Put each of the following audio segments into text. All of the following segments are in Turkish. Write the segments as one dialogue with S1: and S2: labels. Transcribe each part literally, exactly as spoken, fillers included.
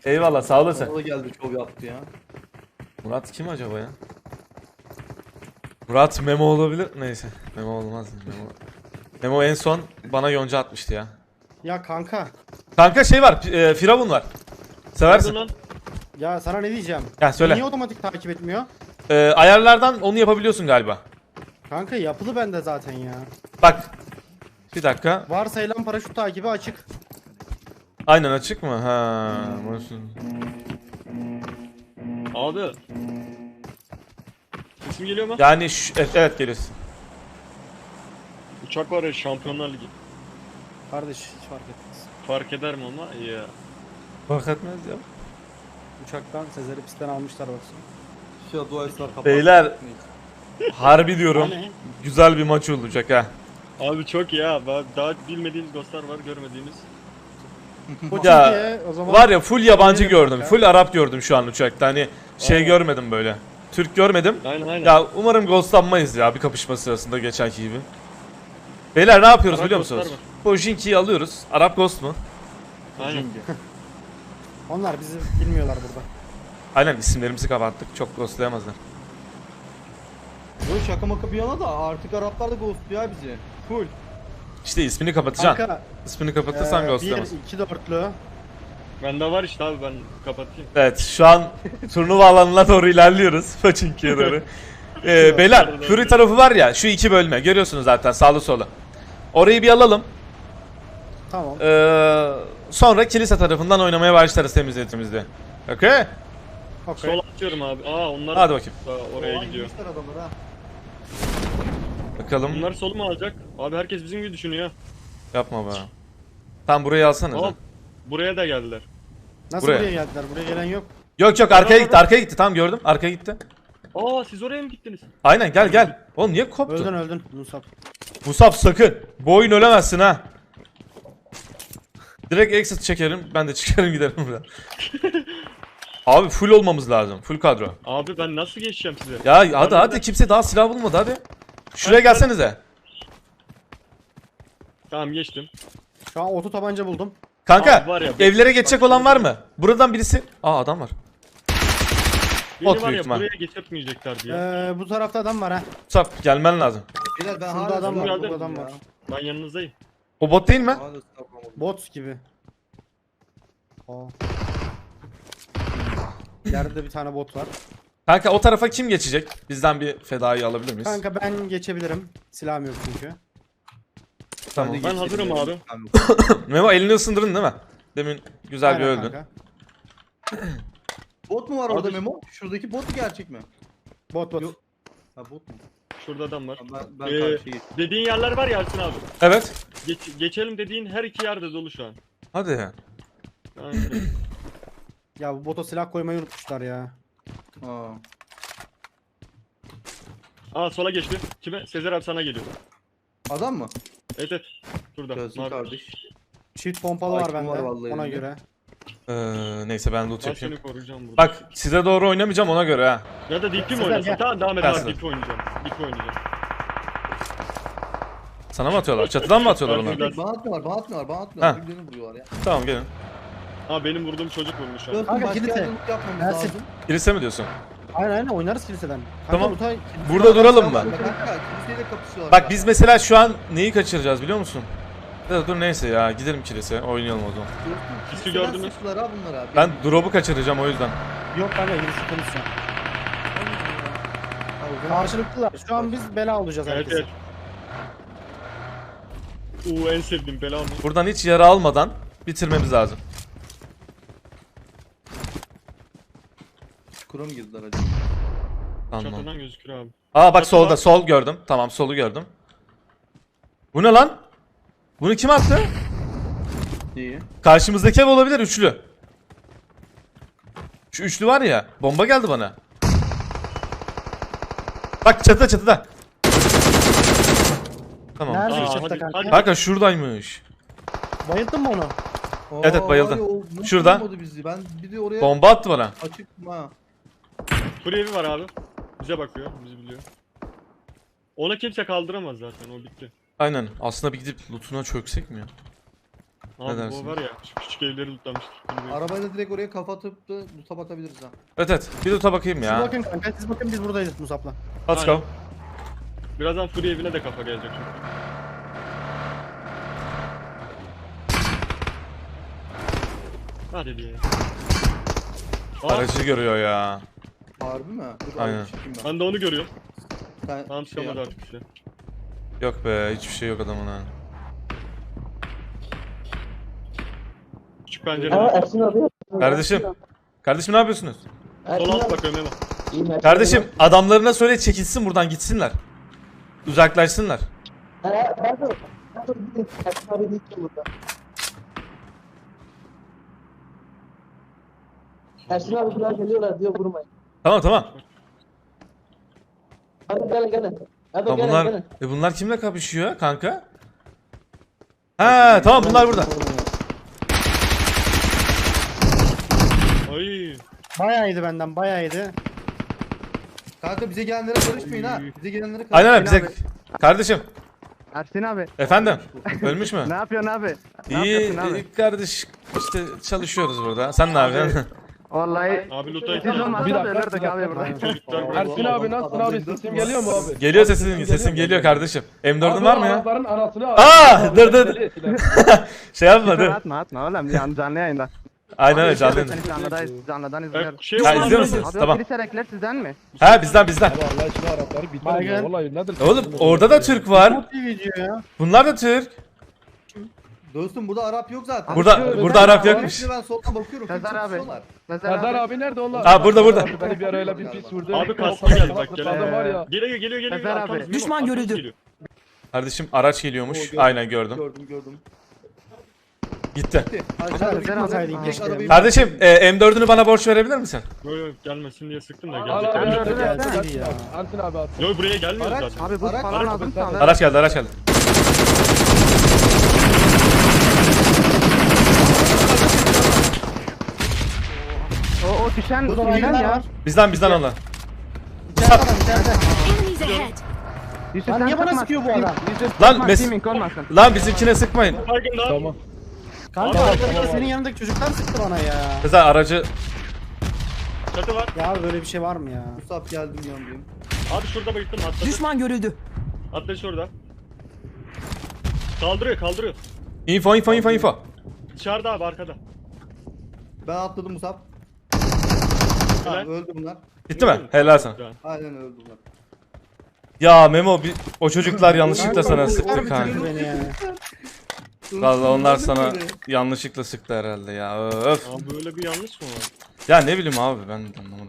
S1: Eyvallah sağ olasın.
S2: O da geldi şov yaptı ya.
S1: Murat kim acaba ya? Murat Memo olabilir. Neyse. Memo olmaz. Memo. Memo en son bana yonca atmıştı ya.
S3: Ya kanka.
S1: Kanka şey var. E, Firavun var. Seversin.
S4: Lan.
S3: Ya sana ne diyeceğim?
S1: Ya söyle.
S3: Niye otomatik takip etmiyor?
S1: E, ayarlardan onu yapabiliyorsun galiba.
S3: Kanka yapılı bende zaten ya.
S1: Bak. Bir dakika.
S3: Varsayılan paraşüt takibi açık.
S1: Aynen açık mı? Ha. burası-
S4: Abi. İsim geliyor mu?
S1: Yani şu, evet, evet geliyorsun.
S4: Uçak var ya Şampiyonlar Ligi.
S3: Kardeş hiç fark etmez.
S4: Fark eder mi ama? Ya.
S1: Fark etmez ya.
S3: Uçaktan Sezer'i pistten almışlar baksana.
S2: Şu dua esrar kapat.
S1: Beyler. Harbi diyorum.
S3: Hani?
S1: Güzel bir maç olacak ha.
S4: Abi çok ya. Ben daha bilmediğimiz ghostlar var, görmediğimiz.
S1: Ya,
S3: Diye, o zaman
S1: Var ya full yabancı
S3: Benim
S1: gördüm.
S3: kanka.
S1: Full Arap gördüm şu an uçakta. Hani şey
S3: Aynen.
S1: görmedim böyle. Türk görmedim.
S4: Aynen aynen.
S1: Ya umarım ghostlanmayız ya bir kapışma sırasında geçenki gibi. Beyler ne yapıyoruz
S4: Arap
S1: biliyor
S4: ghostlar
S1: musunuz? Pojinki'yi alıyoruz. Arap ghost mu?
S4: Aynen.
S3: onlar bizi bilmiyorlar burada.
S1: Aynen isimlerimizi kapattık. Çok ghostlayamazlar.
S2: Bu şaka maka bir yana da artık Araplar da ghostluyor ya bizi. Full.
S1: İşte ismini kapatacaksın.
S3: Kanka
S1: İsmini kapatırsan
S3: ee, bir,
S1: ghostlayamaz.
S3: iki dörtlü.
S4: Bende var işte abi, ben kapatayım.
S1: Evet şu an turnuva alanına doğru ilerliyoruz. Pojinki'ye doğru. Ee, beyler Fury tarafı var ya şu iki bölme. Görüyorsunuz zaten sağlı solu. Orayı bir alalım.
S3: Tamam.
S1: Ee, sonra kilise tarafından oynamaya başlarız temizletimizde. Okey?
S3: Okey.
S4: Sol atıyorum abi. Aa onlar
S1: Hadi bakayım.
S4: Aa, oraya
S2: Oo,
S4: gidiyor.
S2: inmişler adamlar ha.
S1: Bakalım.
S4: Bunlar solu mu alacak? Abi herkes bizim gibi düşünüyor.
S1: Yapma be. Tam burayı alsana.
S4: Aa, buraya da geldiler.
S3: Nasıl
S1: buraya.
S3: buraya geldiler? Buraya gelen yok.
S1: Yok yok arkaya gitti arkaya gitti tamam gördüm arkaya gitti.
S4: Aa siz oraya mı gittiniz?
S1: Aynen gel gel. Oğlum niye koptu?
S3: Öldün öldün Musab.
S1: Musab sakın. Bu oyun ölemezsin ha. Direkt exit çekerim ben de çıkarım giderim buradan. Abi full olmamız lazım. Full kadro.
S4: Abi ben nasıl geçeceğim size?
S1: Ya hadi hadi kimse daha silah bulmadı hadi. Şuraya gelsenize.
S4: Tamam geçtim.
S3: Şu an oto tabanca buldum.
S1: Kanka
S4: Abi var ya,
S1: evlere geçecek olan var mı? Buradan birisi... Aa adam var.
S4: Beni
S1: Bot
S4: var
S1: büyük
S4: ya
S1: ihtimal.
S4: buraya geçirtmeyeceklerdi ya.
S3: Ee, bu tarafta adam var ha.
S1: Musab gelmen lazım.
S2: Beyler ben
S3: Şurada
S2: hala
S3: adam
S4: var,
S2: sıkıldım
S4: burada
S3: adam
S2: ya.
S3: var.
S4: Ben yanınızdayım.
S1: O bot değil mi?
S2: Hala sıkıldım.
S3: Bot gibi. Aa. Yerde bir tane bot var.
S1: Kanka o tarafa kim geçecek? Bizden bir fedayı alabilir miyiz?
S3: Kanka ben geçebilirim. Silahım yok çünkü.
S1: Tamam.
S4: Ben hazırım abi.
S1: Memo elini ısındırın değil mi? Demin güzel bir
S3: Aynen
S1: öldün.
S3: kanka.
S2: Bot mu var orada
S4: Abi-
S2: Memo? Şuradaki bot mu gerçek mi?
S3: Bot bot.
S2: Yok. Ha bot mu?
S4: Şurada adam var.
S2: Ben, ben
S4: Ee,
S2: karşıya geçtim.
S4: dediğin yerler var ya Ersin abi.
S1: Evet.
S4: Geç, geçelim dediğin her iki yerde dolu şu an.
S1: Hadi.
S4: Aynen.
S3: Ya bu bota silah koymayı unutmuşlar ya.
S2: Ha.
S4: Aa sola geçti. Kime? Sezer abi sana geliyor.
S2: Adam mı?
S4: Evet evet. Şurada.
S2: Gelsin
S4: Mavi.
S2: kardeş.
S3: Çift pompalı var
S2: Hakim
S3: bende.
S2: var vallahi
S3: Ona
S2: elinde.
S3: göre.
S1: Ee, neyse ben loot
S4: Ben
S1: yapayım.
S4: seni koruyacağım burada.
S1: Bak size doğru oynamayacağım ona göre ha.
S4: Ya da D P mi
S3: Sezer,
S4: oynasın?
S3: gel.
S4: Tamam devam et
S1: Gelsin.
S4: abi D P oynayacağım. D P oynayacağım.
S1: Sana mı atıyorlar? Çatıdan mı atıyorlar
S4: Ben
S1: onlar?
S4: şuradan-
S2: Bana atmıyorlar, bana atmıyorlar, bana atmıyorlar.
S1: Ha.
S2: Birbirlerini vuruyorlar ya.
S1: Tamam gelin.
S4: Aa benim vurduğum çocuk vurmuş abi.
S2: Dostum
S3: Kanka,
S2: başka
S3: kilise.
S2: yerde loot yapmamız
S3: Ersin.
S2: lazım.
S1: Kilise mi diyorsun?
S3: Aynen aynen oynarız kiliseden. Kanka,
S1: Tamam.
S3: bu tay-
S1: Burada duralım mı?
S2: Kanka kiliseyle kapışıyorlar.
S1: Bak biz mesela şu an neyi kaçıracağız biliyor musun? Ya dur neyse ya gidelim kilise oynayalım o zaman.
S4: Kisi gördünüz.
S2: Sıktılar ha bunlar abi.
S1: Ben drop'u kaçıracağım o yüzden.
S3: Yok kanka birisi konuşuyor.
S2: Ha, o zaman-
S3: Karşılıklılar. Şu an biz bela olacağız
S4: Evet
S3: herkese.
S4: evet. Uuu en sevdiğim bela mı?
S1: Buradan hiç yara almadan bitirmemiz lazım.
S2: Çukura mı girdiler acaba?
S1: Tamam.
S4: Çatıdan gözüküyor abi.
S1: Aa bak
S4: Çatı
S1: solda
S4: var.
S1: sol gördüm. Tamam solu gördüm. Bu ne lan? Bunu kim attı?
S2: İyi.
S1: Karşımızdaki ev olabilir üçlü. Şu üçlü var ya bomba geldi bana. Bak çatıda çatıda. Tamam.
S3: Nerede
S4: Aa,
S3: çatıda
S4: hadi-
S3: kanka?
S4: hadi.
S1: Kanka şuradaymış.
S3: Bayıldın mı onu?
S1: Evet, evet, bayıldı.
S2: Ay, o nasıl
S1: Şurada.
S2: vurmadı Bizi? Ben bir de oraya
S1: Bomba attı bana.
S2: açık ha.
S4: Kuru evi var abi. Bize bakıyor, bizi biliyor. Ona kimse kaldıramaz zaten, o bitti.
S1: Aynen. Aslında bir gidip lootuna çöksek mi ya?
S4: Abi bu
S1: dersiniz?
S4: var ya şu küçük evleri lootlamıştık.
S2: Arabayla direkt oraya kafa atıp da loot'a batabiliriz ha.
S1: Evet evet. Bir loot'a bakayım
S3: Siz
S1: ya.
S3: bakın kanka siz bakın biz buradayız Musab'la.
S1: Let's go.
S4: Aynen. Birazdan Fury evine de kafa gelecek çünkü. Hadi diye. Aa,
S1: Aracı görüyor ya.
S2: Harbi mi? Dur,
S1: Aynen.
S2: abi çekeyim ben.
S4: ben de onu görüyorum.
S2: Sen
S4: Tamam
S2: şey
S4: çıkamadı
S2: yap.
S4: artık işte.
S1: Yok be hiçbir şey yok adamın ha.
S4: Küçük pencere.
S5: Aa Ersin abi.
S1: Kardeşim. Kardeşim ne yapıyorsunuz?
S5: Ersin
S4: Sol alt
S5: abi.
S4: bakıyorum Memo.
S5: İyiyim, Ersin
S1: Kardeşim
S5: abi.
S1: adamlarına söyle çekilsin buradan gitsinler. Uzaklaşsınlar.
S5: Ha, ben de. Ben de gideyim. Ersin abi değil ki burada. Ersin abi buraya geliyorlar diyor vurmayın.
S1: Tamam tamam.
S5: Hadi gelin gelin. Hadi
S1: Tamam
S5: gelin
S1: bunlar
S5: gelin.
S1: e bunlar kimle kapışıyor kanka? Ha tamam bunlar burada.
S4: Ay.
S3: Bayağı iyiydi benden bayağı iyiydi.
S2: Kanka bize gelenlere karışmayın ha. Bize gelenlere
S1: Aynen
S2: karışmayın.
S1: öyle bize
S3: abi.
S1: kardeşim
S6: Ersin abi,
S1: efendim ölmüş mü?
S6: ne yapıyorsun abi? Ne
S1: İyi,
S6: yapıyorsun abi?
S1: iyi kardeş işte çalışıyoruz burada. Sen ne yapıyorsun?
S6: Vallahi
S4: Abi loot'a
S6: siz olmasanız ölürdük abi burada.
S7: Ersin abi nasılsın abi? Sesim geliyor mu abi?
S1: Geliyor sesin sesim geliyor kardeşim. M dördün var mı ya?
S7: Arabaların anasını al.
S1: Aa dur dur. Şey yapma
S6: Küfür
S1: dur.
S6: atma atma oğlum can, canlı yayında.
S1: Aynen öyle canlı.
S6: Seni canlıdan, canlıdan izliyorum.
S4: Şey
S1: Ha,
S4: var
S1: izliyor
S4: mı?
S1: musunuz?
S6: Abi
S1: Tamam.
S6: o priserekler sizden mi?
S1: Ha bizden bizden.
S7: Abi Allah için Arapları bitmez
S3: Baygın.
S7: ya. Vallahi nedir?
S1: Oğlum orada da Türk var.
S3: Çok iyi video ya.
S1: Bunlar da Türk.
S2: Dostum burada Arap yok zaten.
S1: Burada
S7: Abi,
S1: burada
S7: ben-
S1: Arap
S7: ben-
S1: yokmuş.
S2: Şimdi ben soldan bakıyorum.
S6: Sezer
S2: kimse
S6: abi.
S2: tutuyorlar.
S6: Sezer
S7: Serdar
S6: abi.
S7: abi nerede onlar?
S1: Aa, burada, burada.
S7: Beni bir ara öyle bir pis vurdu.
S4: Abi kastı
S7: Kafamda
S4: geldi bak
S7: kafamda
S4: gelen.
S7: var ya.
S4: Geliyor geliyor geliyor.
S6: Sezer abi.
S4: Arkamız, Memo,
S8: Düşman
S4: arkamız
S8: görüldü.
S4: geliyor.
S1: Kardeşim araç geliyormuş.
S2: Oo, gördüm.
S1: Aynen gördüm.
S2: Gördüm gördüm.
S1: Gitti.
S2: Hadi
S6: Sezer
S2: abi
S6: abi.
S2: gitmasaydın
S6: Aa.
S2: keşke arabayı.
S1: Kardeşim e, M dördünü bana borç verebilir misin?
S4: Yo yo gelmesin diye sıktım da
S7: Al
S4: gelecek.
S7: abi
S6: Ersin
S7: nerede?
S6: abi,
S7: Ersin
S3: Ersin
S7: abi.
S3: abi.
S7: Ersin abi at.
S4: Yo buraya gelmiyor
S2: Araç.
S4: zaten.
S6: Abi bu
S2: Araç-
S6: falan
S4: araç-
S6: lazım
S4: araç-
S6: sana.
S1: Araç geldi araç geldi.
S6: O, o düşen
S3: Burada
S6: kimden
S3: baygınlar
S6: ya?
S3: var.
S1: Bizden bizden onlar.
S3: İçeride adam içeride.
S8: Enemies ahead!
S6: Yusuf
S3: Lan
S6: sen
S3: niye bana
S6: sıkma.
S3: sıkıyor bu adam?
S6: Yusuf
S1: Lan
S6: sıkma,
S1: mes-
S6: teaming olmasın.
S1: Lan bizimkine sıkmayın.
S4: Baygın daha.
S7: Tamam.
S3: Kanka
S4: Abi,
S3: arkadaki
S4: tamam.
S3: senin yanındaki çocuklar sıktı bana ya.
S1: Sezer aracı
S4: Çatı var.
S3: Ya böyle bir şey var mı ya?
S2: Musab geldim yanındayım.
S4: Abi şurada bayıldım atladı.
S8: Düşman görüldü.
S4: Atladı şurada. Kaldırıyor kaldırıyor.
S1: info info info info.
S4: Dışarıda abi arkada.
S2: Ben atladım Musab. Ha,
S4: Helal.
S2: öldü bunlar.
S1: Gitti mi? Helal sana.
S2: Aynen öldü bunlar.
S1: Ya Memo bir, o çocuklar yanlışlıkla sana sıktı
S3: Harbi
S1: kanka.
S3: bitirdi beni yani.
S1: Vallahi onlar sana
S2: Böyle.
S1: yanlışlıkla sıktı herhalde ya. Öf.
S4: Abi böyle bir yanlış mı var?
S1: Ya ne bileyim abi ben de anlamadım.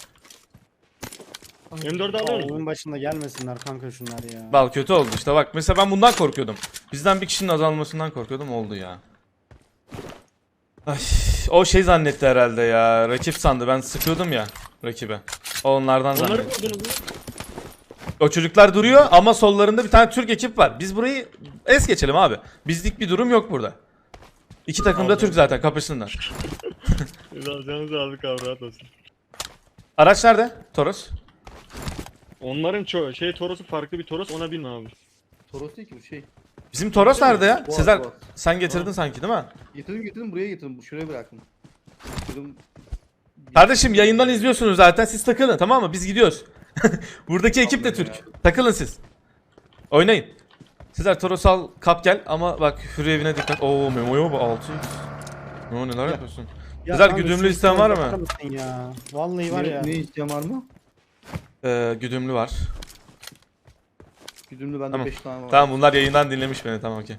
S4: M dördü alıyor musun?
S3: Oyun başında gelmesinler kanka şunlar ya.
S1: Bal kötü oldu işte bak mesela ben bundan korkuyordum. Bizden bir kişinin azalmasından korkuyordum oldu ya. Ay, o şey zannetti herhalde ya. Rakip sandı ben sıkıyordum ya rakibe. O onlardan
S4: Onları
S1: zannetti.
S4: vurdunuz mu?
S1: O çocuklar duruyor ama sollarında bir tane Türk ekip var. Biz burayı es geçelim abi. Bizlik bir durum yok burada. İki takım da Türk zaten kapışsınlar.
S4: Canınızı aldık abi rahat olsun.
S1: Araç nerede? Toros.
S4: Onların ço şey Toros'u farklı bir Toros ona binme abi.
S2: Toros değil ki bu şey.
S1: Bizim Toros nerede ya?
S2: Boğaz,
S1: Sezer
S2: boğaz.
S1: sen getirdin sanki değil mi?
S2: Getirdim getirdim buraya getirdim. Şuraya bıraktım. Dedim,
S1: Kardeşim yayından izliyorsunuz zaten siz takılın tamam mı? Biz gidiyoruz. Buradaki ekip de Türk. Takılın siz. Oynayın. Sezer Toros al kap gel ama bak Hürri evine dikkat. Oo Memo'ya bu altı x. Memo neler yapıyorsun?
S3: Ya
S1: Sezer
S3: kanka,
S1: güdümlü
S3: şu
S1: isteyen var
S3: bakar
S1: mı?
S3: mısın Ya. Vallahi var
S2: ne,
S3: ya.
S2: ne isteyen var mı?
S1: Ee, güdümlü var.
S2: Güdümlü bende
S1: Tamam.
S2: beş tane var.
S1: Tamam bunlar yayından dinlemiş beni tamam okey.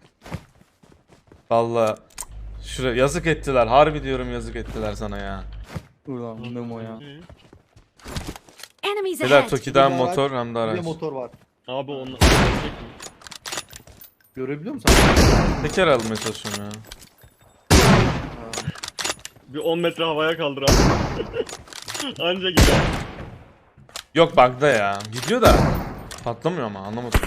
S1: Valla şuraya yazık ettiler. Harbi diyorum yazık ettiler sana ya.
S2: Buradan Memo ya.
S4: Hı.
S8: Enemies
S1: Sezer
S8: ahead!
S1: Toki'den
S2: Bir de araç,
S1: motor hem de
S2: Bir de
S1: araç.
S2: motor var.
S4: Abi onlar.
S2: Görebiliyor musun?
S1: Teker almaya çalışıyorum ya.
S4: Bir on metre havaya kaldır abi. Anca gider.
S1: Yok bug'da ya. Gidiyor da patlamıyor ama anlamadım.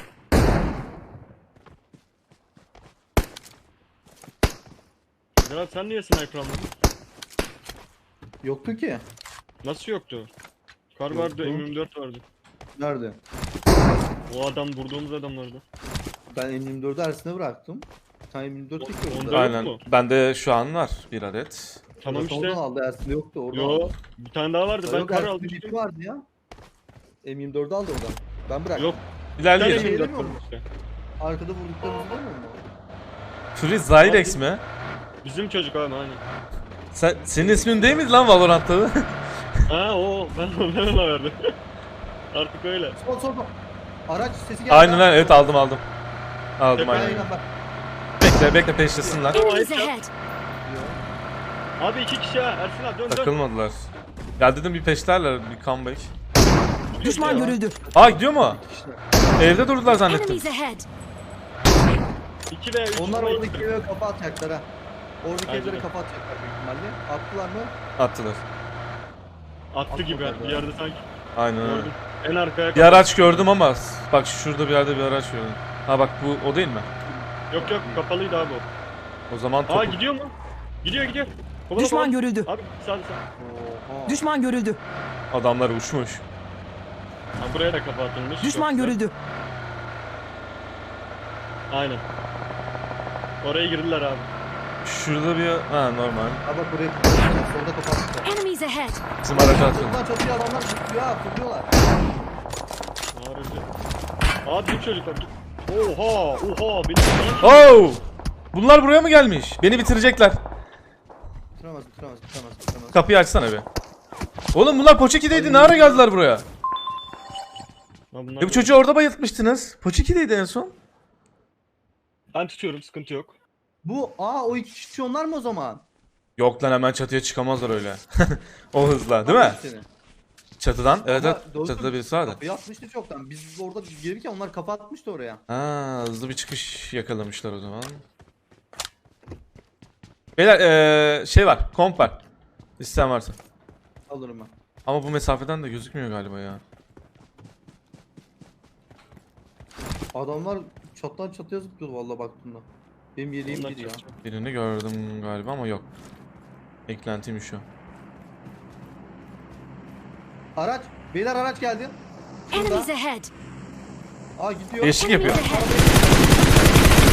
S4: Berat sen niye sniper almadın?
S2: Yoktu ki.
S4: Nasıl yoktu? Kar vardı, M yirmi dört vardı.
S2: Nerede?
S4: O adam vurduğumuz adamlardı.
S2: Ben M yirmi dördü Ersin'e bıraktım. tane yirmi dört çekiyor
S4: Onda
S2: burada.
S4: yok
S1: Aynen.
S4: mu?
S1: Bende şu an var bir adet.
S4: Tamam
S2: Oradan
S4: işte.
S2: aldı, Ersin'de yoktu orada.
S4: Yo, bir tane daha vardı. Ben
S2: Yok,
S4: kar
S2: Ersin'de
S4: almıştım.
S2: bir vardı ya. M yirmi dördü aldı oradan. Ben bıraktım.
S4: Yok. Bir tane
S1: İlerleyelim.
S4: M yirmi dört
S2: Şey
S4: var işte.
S2: Arkada vurduklarımızı değil mi?
S1: Fury Zyrex mi?
S4: Bizim çocuk abi aynen.
S1: Sen, senin ismin değil miydi lan Valorant'ta?
S4: Ha o ben ben ona verdim. Artık öyle.
S2: Sol sol sol. Araç sesi geldi.
S1: Aynen aynen evet aldım aldım. Aldım
S4: Tepe-
S1: aynen.
S2: Aynen bak.
S1: Bekle bekle peşlesinler.
S8: Enemies ahead.
S4: Abi iki kişi ha. Ersin abi dön dön.
S1: Takılmadılar. Ya dedim bir peşlerler bir comeback.
S9: Düşman görüldü.
S1: Aa gidiyor mu?
S2: İşte.
S1: Evde durdular zannettim.
S8: Enemies ahead.
S4: iki ve üç.
S2: Onlar oradaki eve kafa atacaklar ha. Oradaki
S4: Bence
S2: evlere
S4: de.
S2: kafa atacaklar büyük ihtimalle. Attılar mı?
S1: Attılar.
S4: Attı gibi
S2: Atmadı
S4: bir
S2: ya.
S4: yerde sanki.
S1: Aynen öyle.
S4: Gördüm. En arkaya.
S1: Bir araç gördüm ama bak şurada bir yerde bir araç gördüm. Ha bak bu o değil mi?
S4: Yok yok kapalıydı abi o.
S1: O zaman
S4: Aa
S1: topu.
S4: gidiyor mu? Gidiyor gidiyor. Kovala,
S9: Düşman
S4: kovala.
S9: görüldü.
S4: Abi sağ sağ.
S2: Oha.
S9: Düşman görüldü.
S1: Adamlar uçmuş.
S4: Ha, buraya da kafa atılmış.
S9: Düşman
S4: Çok güzel.
S9: görüldü.
S4: Aynen. Oraya girdiler abi.
S1: Şurada bir ha normal.
S2: Ha bak buraya kapatacaklar. Solda kafa atacaklar.
S8: Enemies ahead.
S1: Bizim araca atıyor.
S2: Çatıdan çatıya adamlar tutuyor ha. Tutuyorlar.
S4: Harika. Abi bir çocuk var. Oha oha benim
S1: Oh! Bunlar buraya mı gelmiş? Beni bitirecekler.
S2: Bitiremez bitiremez bitiremez bitiremez.
S1: Kapıyı açsana be. Oğlum bunlar Poçiki'deydi. Ne ara geldiler buraya?
S4: Lan bunlar
S1: E bu çocuğu orada bayıltmıştınız. Poçiki'deydi en son.
S4: Ben tutuyorum sıkıntı yok.
S2: Bu aa o iki kişi onlar mı o zaman?
S1: Yok lan hemen çatıya çıkamazlar öyle. O hızla değil mi?
S2: Seni.
S1: Çatıdan. Evet
S2: Ama
S1: evet.
S2: doğru
S1: Çatıda
S2: söylüyorsun.
S1: birisi vardı.
S2: Kapıyı atmıştı çoktan. Biz orada gelirken onlar kafa atmıştı oraya.
S1: Ha, hızlı bir çıkış yakalamışlar o zaman. Beyler ee, şey var. Komp var. İsteyen varsa.
S2: Alırım ben.
S1: Ama bu mesafeden de gözükmüyor galiba ya.
S2: Adamlar çattan çatıya zıplıyordu vallahi baktığımda. Benim yediğim
S4: Onlar
S2: bir ya.
S4: çalışacak.
S1: Birini gördüm galiba ama yok. Eklentiymiş o.
S2: Araç. Beyler araç geldi.
S8: Enemies
S2: Şurada.
S8: ahead.
S2: Aa gidiyor.
S1: Değişik yapıyor.
S8: Enemies ahead.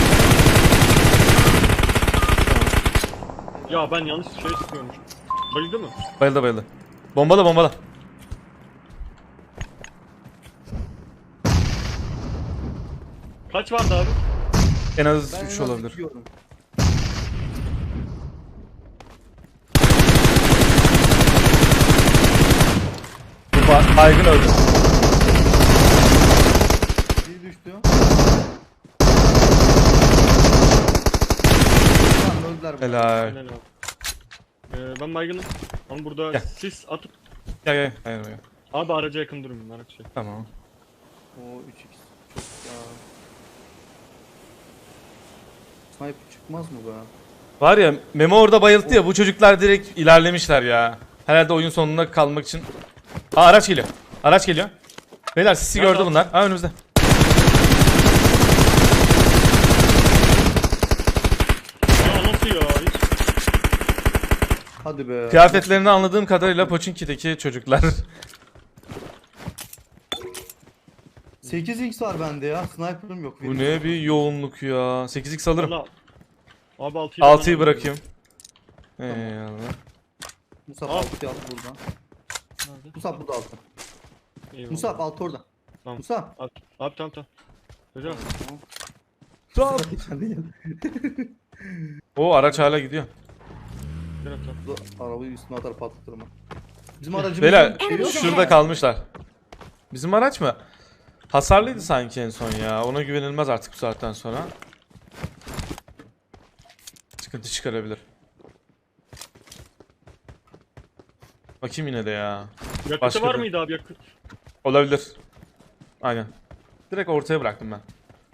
S4: Ya ben yanlış şey sıkıyormuş. Bayıldı mı?
S1: Bayıldı bayıldı. Bombala bombala.
S4: Kaç vardı abi?
S1: En az
S2: Ben en
S1: üç
S2: az
S1: olabilir.
S2: iki gördüm.
S1: Bu ba- baygın öldü.
S2: Biri düştü. Tamam öldüler bunlar.
S1: Helal.
S4: Helal abi. Ee, ben baygınım. Ama burada
S1: Gel.
S4: sis atıp
S1: Gel gel. Hayır hayır.
S4: abi araca yakın durun araç şey.
S1: Tamam.
S2: Oo üç x. Çok ya. Sniper çıkmaz mı be?
S1: Var ya Memo orada bayılttı ya bu çocuklar direkt ilerlemişler ya. Herhalde oyun sonuna kalmak için. Aa araç geliyor. Araç geliyor. Beyler sizi
S4: Nerede
S1: gördü
S4: abi?
S1: bunlar. Ha önümüzde.
S4: Ya nasıl ya? Hiç...
S2: Hadi be.
S1: Kıyafetlerini anladığım kadarıyla Pochinki'deki çocuklar.
S2: sekiz x var bende ya. Sniper'ım yok.
S1: Bu ne bir yoğunluk ya. sekiz x alırım.
S4: Valla- Abi altıyı
S1: altıyı bırakayım. Eyvallah.
S2: Musab
S4: Al.
S2: altı al buradan. Musab bu da altı.
S4: Eyvallah.
S2: Musab altı orada.
S4: Tamam.
S2: Musab.
S4: Abi, abi tamam tamam. Hocam.
S2: Musab.
S1: O araç hala gidiyor.
S4: gel abi, tamam.
S2: Bu arabayı üstüne atar patlatırım. ben. Bizim aracımız
S1: Beyler
S8: Enemies
S1: şurada
S8: ahead.
S1: kalmışlar. Bizim araç mı? Hasarlıydı sanki en son ya. Ona güvenilmez artık bu saatten sonra. Sıkıntı çıkarabilir. Bakayım yine de ya.
S4: Yakıtı
S1: Başka
S4: var
S1: bir-
S4: mıydı abi yakıt?
S1: Olabilir. Aynen. Direkt ortaya bıraktım ben.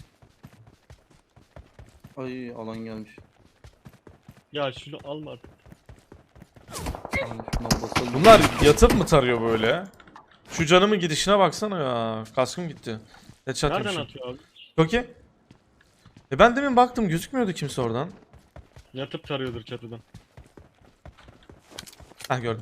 S2: Ay alan gelmiş.
S4: Ya şunu alma artık.
S2: Ay, şundan basalım.
S1: Bunlar yatıp mı tarıyor böyle? Şu canımın gidişine baksana ya. Kaskım gitti. Headshot
S4: Nereden
S1: yemişim.
S4: atıyor abi?
S1: Çok iyi. E ben demin baktım gözükmüyordu kimse oradan.
S4: Yatıp tarıyordur çatıdan.
S1: Heh gördüm.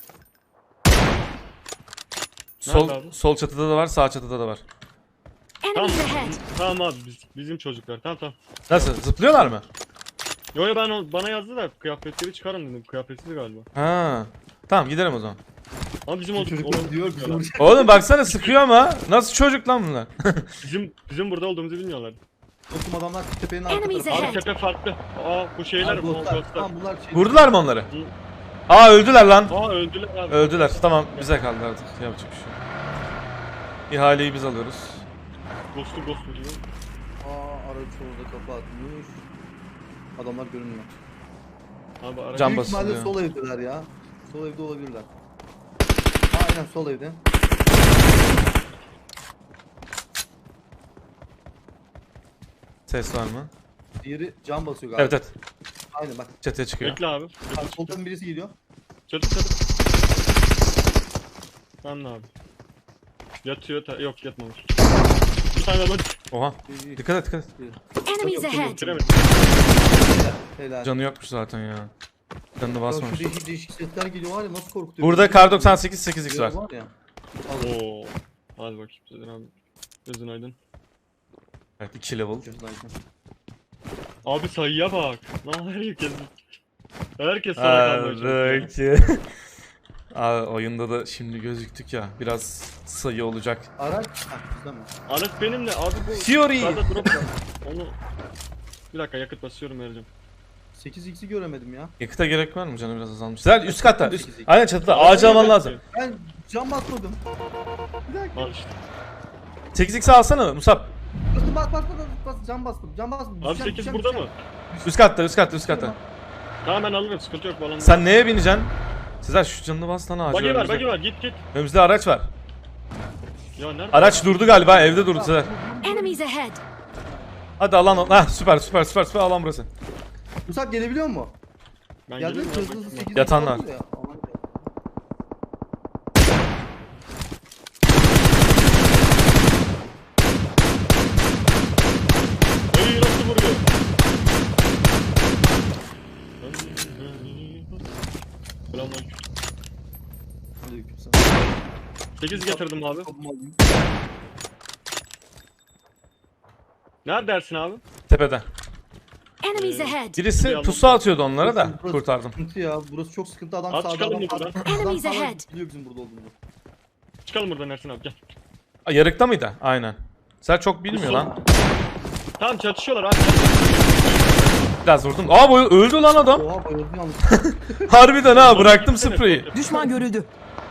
S1: Sol
S4: abi?
S1: sol çatıda da var, sağ çatıda da var.
S4: Ha
S8: Enemies ahead.
S4: Tamam abi biz, bizim çocuklar. Tamam tamam.
S1: Nasıl? Zıplıyorlar mı?
S4: Yo yo ben o, bana yazdı da kıyafetleri çıkarın dedim. Kıyafetsiz galiba.
S1: Ha. Tamam gidelim o zaman.
S4: Ama bizim olduk.
S2: Çocuklar diyor bizi vuracak.
S1: Oğlum baksana sıkıyor ama. Nasıl çocuk lan bunlar?
S4: Bizim bizim burada olduğumuzu bilmiyorlar.
S2: Dostum adamlar tepenin arka
S8: Enemies
S2: tarafı.
S4: Abi
S8: ahead.
S4: tepe farklı. Aa bu şeyler
S2: Ha,
S4: bu
S2: dostlar.
S4: ghostlar.
S2: Tamam bunlar şey.
S1: Vurdular mı onları? Aa öldüler lan.
S4: Aa öldüler abi.
S1: Öldüler. Tamam bize kaldı artık. Yapacak bir şey yok. İhaleyi biz alıyoruz.
S4: Ghost'u ghost'u diyor.
S2: Aa araç orada kafa atmış. Adamlar görünmüyor.
S4: Abi ara.
S1: Cam
S2: Büyük
S1: basılıyor.
S2: ihtimalle sol evdeler ya. Sol evde olabilirler. Aynen sol evde.
S1: Ses var mı?
S2: Diğeri cam basıyor galiba.
S1: Evet evet.
S2: Aynen bak.
S1: Çatıya çıkıyor.
S4: Bekle abi.
S2: Bak soldan birisi geliyor.
S4: Çatı çatı. Lan ne abi? Yatıyor ta yok yatmamış. Bir tane adam
S1: Oha.
S2: İyi, iyi.
S1: Dikkat et dikkat et.
S8: Enemies ahead.
S4: bitiremedi.
S2: Helal.
S1: Canı yokmuş zaten ya. Canını
S2: Ya
S1: basmamış.
S2: şu değişik değişik sesler geliyor var ya nasıl korkutuyor.
S1: Burada kar doksan sekiz sekiz x var.
S2: Var ya. Al.
S4: Oo. Hadi bakayım Sezer abi. Gözün aydın.
S1: Evet iki level.
S4: Abi sayıya bak. Lan herkes. Herkes sana kalmaya çalışıyor.
S1: Aradaki. Abi oyunda da şimdi gözüktük ya. Biraz sayı olacak.
S2: Araç. Ha bizden mi?
S4: Aras benimle abi bu.
S1: Fury.
S4: Sağda drop var. Onu. Bir dakika yakıt basıyorum vereceğim.
S2: sekiz x'i göremedim ya.
S1: Yakıta gerek var mı? Canı biraz azalmış. Güzel üst katta. Üst. Aynen çatıda. Ağacı alman lazım.
S2: Ben cam basmadım. Bir dakika.
S4: Al işte.
S1: sekiz x alsana Musab.
S2: Bastım bas bas bas bas cam bastım. Cam bastım.
S4: Abi
S2: Düşeceğim,
S4: sekiz
S2: düşeceğim,
S4: burada mı?
S2: düşeceğim.
S1: Üst katta üst katta üst katta.
S4: Tamam ben alırım sıkıntı yok bu alanda.
S1: Sen neye bineceksin? Sezer şu canını bas lan ağacı.
S4: Bagi var
S1: önümüzde.
S4: bagi var git git.
S1: Önümüzde araç var.
S4: Ya nerede?
S1: Araç durdu galiba evde durdu Sezer.
S8: Enemies ahead.
S1: Hadi alan o. Hah süper süper süper süper alan burası.
S2: Musab gelebiliyor mu?
S4: Ben
S2: Geldi mi?
S4: geliyorum
S2: Hızlı
S4: ya,
S2: hızlı
S4: bakayım.
S2: sekiz
S1: Yatanlar.
S2: ya. Aman ya.
S4: Ey nasıl vuruyor? Selamünaleyküm.
S2: Aleykümselam.
S4: sekiz getirdim abi.
S2: Kapımı alayım.
S4: Nerede dersin abi?
S1: Tepede.
S8: Enemies ahead.
S1: Birisi pusu atıyordu onlara da
S2: Burası
S1: kurtardım.
S2: Sıkıntı ya. Burası çok sıkıntı. Adam
S4: Abi
S2: sağda
S4: çıkalım
S2: adam
S4: buradan.
S2: sağda. Adam
S8: Enemies
S2: sağda
S8: ahead.
S2: biliyor bizim burada olduğumuzu.
S4: Çıkalım buradan Ersin abi gel.
S1: Aa, yarıkta mıydı? Aynen. Sen çok bilmiyor lan.
S4: Tamam çatışıyorlar abi.
S1: Biraz vurdum. Aa bu öldü lan adam.
S2: Oha bayıldı yalnız.
S1: Harbiden ha bıraktım spreyi.
S9: Düşman görüldü.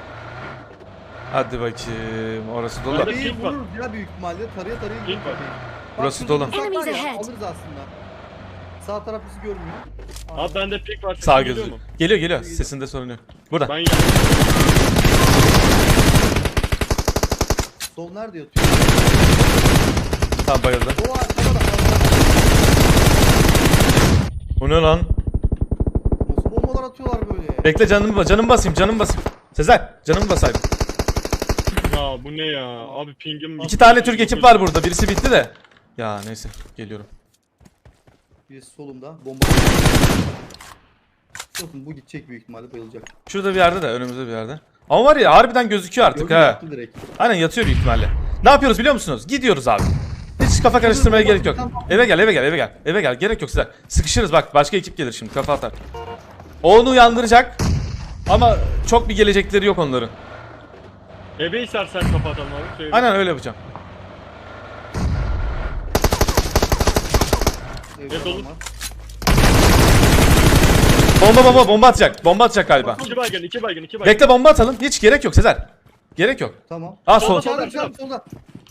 S1: Hadi bakayım. Orası dolu.
S4: Hadi.
S2: İyi
S4: pink var.
S2: vururuz ya büyük ihtimalle. Tarıya tarıya
S4: Pink
S2: gidiyor.
S4: var.
S1: Burası
S2: şurada
S1: dolu.
S2: uzak var
S8: Enemies
S2: ya,
S8: ahead.
S2: alırız aslında. Sağ taraf bizi görmüyor.
S4: Abi bende pik var.
S1: Sağ
S4: sesin
S1: gözü.
S4: geliyor mu?
S1: Geliyor geliyor. Sesinde sorun yok. Burada.
S4: Ben geldim.
S2: Sol nerede yatıyor?
S1: Tamam bayıldı.
S2: O arkada da.
S1: Bu ne lan?
S2: Nasıl bombalar atıyorlar böyle?
S1: Bekle canımı canım basayım canım basayım. Sezer canımı basaydım.
S4: Ya bu ne ya? Abi pingim.
S1: İki tane Türk ekip var burada. Birisi bitti de. Ya neyse geliyorum.
S2: Birisi solumda. Bomba. Bakın bu gidecek büyük ihtimalle bayılacak.
S1: Şurada bir yerde de önümüzde bir yerde. Ama var ya harbiden gözüküyor artık
S2: Gördün mü?
S1: ha.
S2: Attı direkt.
S1: Aynen yatıyor büyük ihtimalle. Ne yapıyoruz biliyor musunuz? Gidiyoruz abi. Hiç kafa karıştırmaya gerek yok. Eve gel eve gel eve gel. Eve gel gerek yok size. Sıkışırız bak başka ekip gelir şimdi kafa atar. Onu uyandıracak. Ama çok bir gelecekleri yok onların.
S4: Ebe istersen kapatalım abi. Söyle.
S1: Aynen öyle yapacağım.
S2: Evde
S4: Evet,
S2: adam
S4: olur.
S2: var.
S1: Bomba bomba bomba atacak. Bomba atacak galiba.
S4: İki baygın, iki baygın, iki baygın.
S1: Bekle bomba atalım. Hiç gerek yok Sezer. Gerek yok.
S2: Tamam.
S1: Aa sol.
S4: Solda,
S2: Çağırdım çağırdım solda.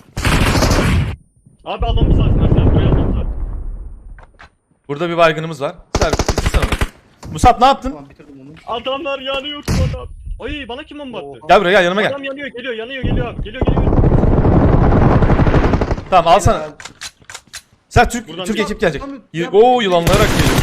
S4: Abi almamız lazım. Ersin buraya almamız lazım.
S1: Burada bir baygınımız var. Sezer bitirsene onu. Musab ne yaptın?
S2: Tamam bitirdim onu.
S4: Adamlar yanıyor şu adam. Ay bana kim bomba attı?
S2: Oha.
S1: Gel buraya gel yanıma gel.
S4: Adam yanıyor, geliyor, yanıyor, geliyor abi. Geliyor, geliyor.
S1: Tamam al sana. Sen Türk
S4: Buradan
S1: Türk
S4: bir-
S1: ekip gelecek.
S2: Tamam,
S1: Y-
S2: yap.
S1: Oo yılanlayarak geliyor.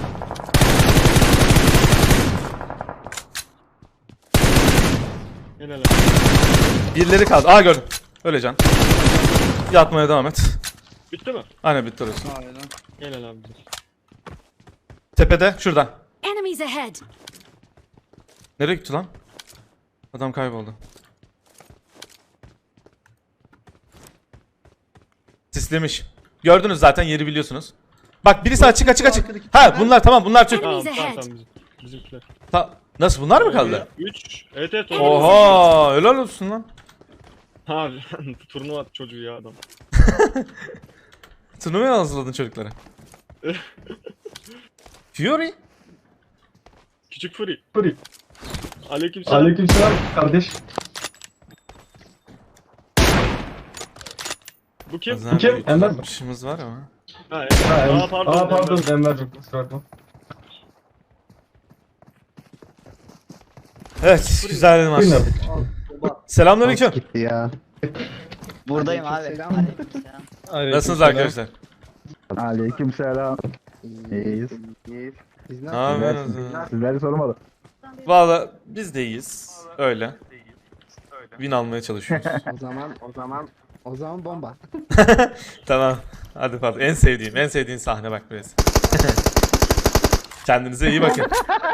S4: Helal abi.
S1: Birileri kaldı. Aa gördüm. Öyle can. Yatmaya devam et.
S4: Bitti mi?
S1: Aynen bitti orası.
S2: Aynen.
S4: Helal abi.
S1: Tepede şurada.
S8: Enemies ahead.
S1: Nereye gitti lan? Adam kayboldu. Sislemiş. Gördünüz zaten, yeri biliyorsunuz. Bak birisi açık açık açık. Ha bunlar tamam, bunlar Türk.
S4: Tamam
S8: Enemies
S4: tamam
S8: ahead.
S4: tamam bizim, bizimkiler.
S1: Ta- Nasıl, bunlar mı kaldı?
S4: üç. Evet evet.
S1: Oha, helal olsun lan.
S4: Abi turnuva çocuğu ya adam.
S1: Turnuvaya hazırladın çocuklara. Fury.
S4: Küçük Fury.
S7: Fury.
S4: Aleykümselam.
S7: Aleykümselam kardeş.
S4: Bu kim?
S1: Bazen
S7: kim?
S1: bir
S7: Enver mi?
S1: tutuşumuz var ama.
S4: Ha,
S7: Ha,
S4: Aa
S7: Aa
S4: pardon.
S7: pardon, pardon
S4: Enver.
S7: Enver'cim kusura bakma.
S1: Evet, güzel bir maç.
S7: Buyurun.
S2: Al, baba.
S1: Selamünaleyküm.
S6: Gitti ya.
S5: Buradayım abi.
S1: Nasılsınız arkadaşlar?
S6: Aleykümselam. İyiyiz.
S3: Biz ne
S1: Ne yapıyorsunuz?
S6: Sizleri sormalı.
S1: Valla biz de iyiyiz. Öyle. Win almaya çalışıyoruz.
S3: O zaman o zaman o zaman bomba.
S1: Tamam. Hadi Fatih. En sevdiğim, en sevdiğin sahne bak biraz. Kendinize iyi bakın.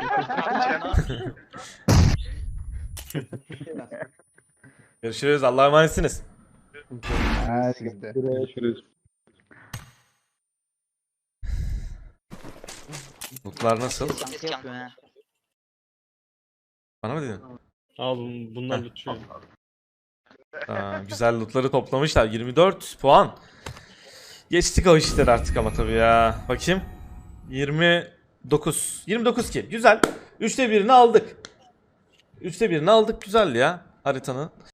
S1: Görüşürüz. Allah'a emanetsiniz.
S7: Görüşürüz.
S1: Mutlular nasıl? Bana mı dedin?
S4: Al bun- bunlar lütfen.
S1: Aa, güzel lootları toplamışlar. yirmi dört puan. Geçtik o işleri artık ama tabii ya. Bakayım. yirmi dokuz. yirmi dokuz ki. Güzel. üçte birini aldık. üçte birini aldık. Güzel ya haritanın.